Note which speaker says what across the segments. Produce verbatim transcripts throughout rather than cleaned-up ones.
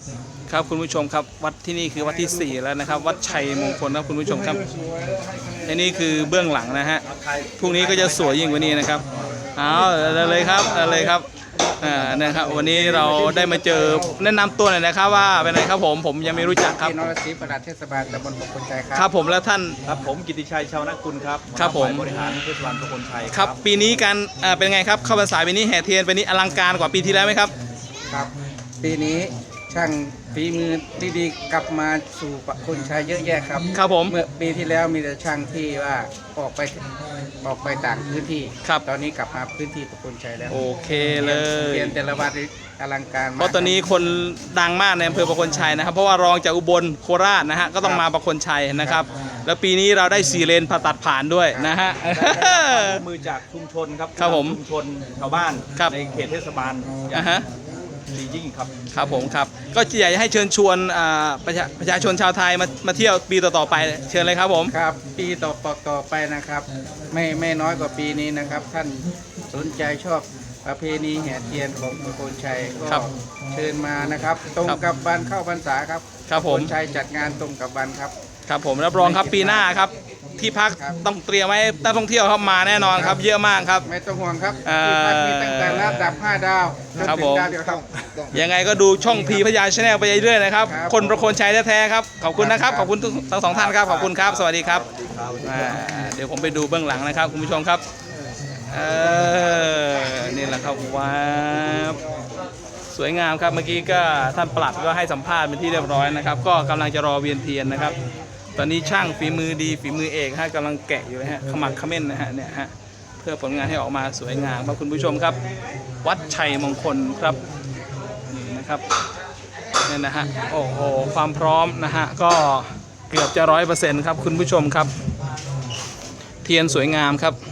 Speaker 1: ครับคุณผู้ชมครับวัดที่นี่คือวัดที่สี่แล้วนะครับวัดชัยมงคลนะคุณผู้ชมครับอันนี้คือเบื้องหลังนะฮะพรุ่งนี้ก็จะสวยยิ่งกว่านี้นะครับเอาเลยครับเลยครับอ่านะครับวันนี้เราได้มาเจอแนะนำตัวหน่อยนะครับว่าเป็นไงครับผมผมยังไม่รู้จักครับ
Speaker 2: พี่นรศรีปลัดเทศบาลตำบลประคนชัยครับ
Speaker 1: ครับผมแล้วท่าน
Speaker 3: ครับผมกิติชัยชาวนกุลครับ
Speaker 1: ครับผม
Speaker 3: บริหารเทศบาลประคนชัย
Speaker 1: ครับปีนี้การอ่าเป็นไงครับเข้าพรรษาปีนี้แห่เทียนปีนี้อลังการกว่าปีที่แล้วไหมครับ
Speaker 2: ครับปีนี้ช่างฝีมือดีๆกลับมาสู่ประคนชัยเยอะแยะครับ
Speaker 1: ครับผม
Speaker 2: เมื่อปีที่แล้วมีแต่ช่างที่ว่าออกไปออกไปต่างพื้นที่
Speaker 1: ครับ
Speaker 2: ตอนนี้กลับมาพื้นที่ประคนชัยแล้ว
Speaker 1: โอเคเลย
Speaker 2: เรียนแต่ละวันอลังการมาก
Speaker 1: เพราะตอนนี้คนดังมากในอำเภอประคนชัยนะครับเพราะว่ารองจากอุบลโคราชนะฮะก็ต้องมาประคนชัยนะครับแล้วปีนี้เราได้สี่เลนผ่าตัดผ่านด้วยนะฮะ
Speaker 3: มือจากชุมชนครับ
Speaker 1: ครับผม
Speaker 3: ชุมชนชาวบ้านในเขตเทศบาล
Speaker 1: อ่าฮะ
Speaker 3: ดียิ่งครับ
Speaker 1: ครับผมครับก็อยากให้เชิญชวนประชาประชาชนชาวไทยมามาเที่ยวปีต่อๆไปเชิญเลยครับผม
Speaker 2: ครับปีต่อต่อไปนะครับไม่ไม่น้อยกว่าปีนี้นะครับท่านสนใจชอบประเพณีแห่เทียนของประคนชัยก็เชิญมานะครับตรงกับวันเข้าพรรษาครับ
Speaker 1: ครับผม
Speaker 2: ประคนชัยจัดงานตรงกับวันครับ
Speaker 1: ครับผมรับรองครับปีหน้าครับที่พักต้องเตรียมไว้นักท่องเที่ยวเข้ามาแน่นอนครับเยอะมากครับ
Speaker 2: ไม่ต้องห่วงครับที่พักมีตั้งแต่ระดับห้าดาวจนถึงดาวเดียวครับ
Speaker 1: ยังไงก็ดูช่องพีพญาชาแนลไปเรื่อยๆนะครับคนประโคนชัยแท้ๆครับขอบคุณนะครับขอบคุณทั้งสองท่านครับขอบคุณครับสวัสดีครับเดี๋ยวผมไปดูเบื้องหลังนะครับคุณผู้ชมครับเออนี่แหละครับว้าวสวยงามครับเมื่อกี้ก็ท่านปลัดก็ให้สัมภาษณ์เป็นที่เรียบร้อยนะครับก็กำลังจะรอเวียนเทียนนะครับตอนนี้ช่างฝีมือดีฝีมือเอกฮะกำลังแกะอยู่นะฮะขมักเขม้นนะฮะเนี่ยฮะเพื่อผลงานให้ออกมาสวยงามครับคุณผู้ชมครับวัดชัยมงคลครับนี่นะครับนี่นะฮะโอ้โหความพร้อมนะฮะก็เกือบจะร้อยเปอร์เซ็นต์ครับคุณผู้ชมครับเทียนสวยงามครับ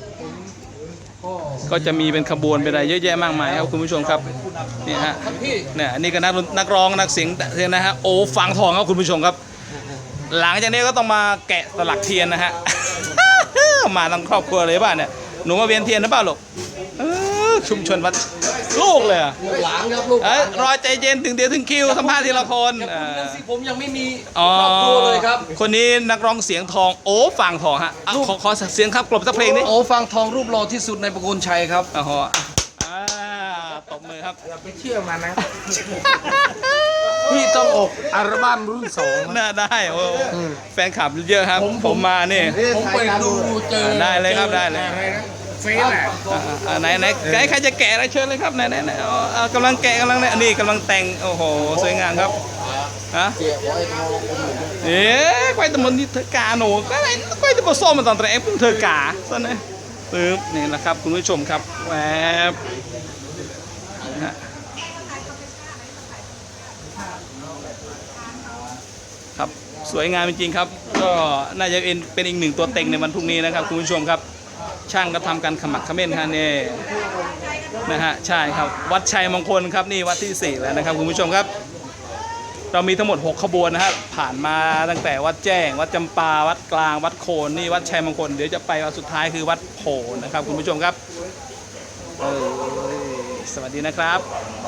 Speaker 1: ก็จะมีเป็นขบวนเป็นอะไรเยอะแยะมากมายครับคุณผู้ชมครับนี่ฮะเนี่ยอันนี้ก็นักนักร้องนักเสียงเทียนนะฮะโอ้ฟังทองครับคุณผู้ชมครับหลังจากนี้ก็ต้องมาแกะสลักเทียนนะฮะ มาทั้งครอบครัวเลยป่ะเนี่ยหนูมาเวียนเทียนหรือเปล่าลูกชุมชนวัดลูกเลย
Speaker 4: หลานครับลูก
Speaker 1: รอใจเย็นถึงเดี๋ยวถึงคิวสัมภาษณ์ทีละคน
Speaker 4: ผมยังไม่มีครอบครัวเลยครับ
Speaker 1: คนนี้นักร้องเสียงทองโอ้ฟังทองฮะขอขอเสียงครับกลบสักเพลงนี้
Speaker 4: โอ้ฟังทองรูปหล่อที่สุดในประโคนชัยครับ
Speaker 1: อ๋อตบมือครับ
Speaker 2: อย่าไปเชื่อมันนะ
Speaker 4: พี่ต้องออกอัลบั้มรุ่นสอง
Speaker 1: น่าได้โอ้แฟนคลับเยอะครับผมมาเนี่ย
Speaker 4: ผมไปดูเจอ
Speaker 1: ได้เลยครับได้เลย
Speaker 2: เฟซอ่ะ
Speaker 1: ไหนไหนใครใครจะแกะอะไรเชิญเลยครับไหนไหนไหนกำลังแกะกำลังเนี่ยนี่กำลังแต่งโอ้โหสวยงามครับฮะเอ๊ะควายตะมันนี่เธอกาหนูก็ไอ้ควายตะมันส้มมันตอนแต่เอ็งเธอกาซะนะปึ๊บนี่แหละครับคุณผู้ชมครับแวบครับสวยงามจริงๆครับก็น่าจะเป็นเป็นอีกหนึ่งตัวเต็งในวันพรุ่งนี้นะครับคุณผู้ชมครับช่างก็ทำการขมักเขม้นฮะนี่นะฮะใช่ครับวัดชัยมงคลครับนี่วัดที่สี่แล้วนะครับคุณผู้ชมครับเรามีทั้งหมดหกขบวนนะฮะผ่านมาตั้งแต่วัดแจ้งวัดจำปาวัดกลางวัดโคนนี่วัดชัยมงคลเดี๋ยวจะไปวัดสุดท้ายคือวัดโพนะครับคุณผู้ชมครับเออสวัสดีนะครับ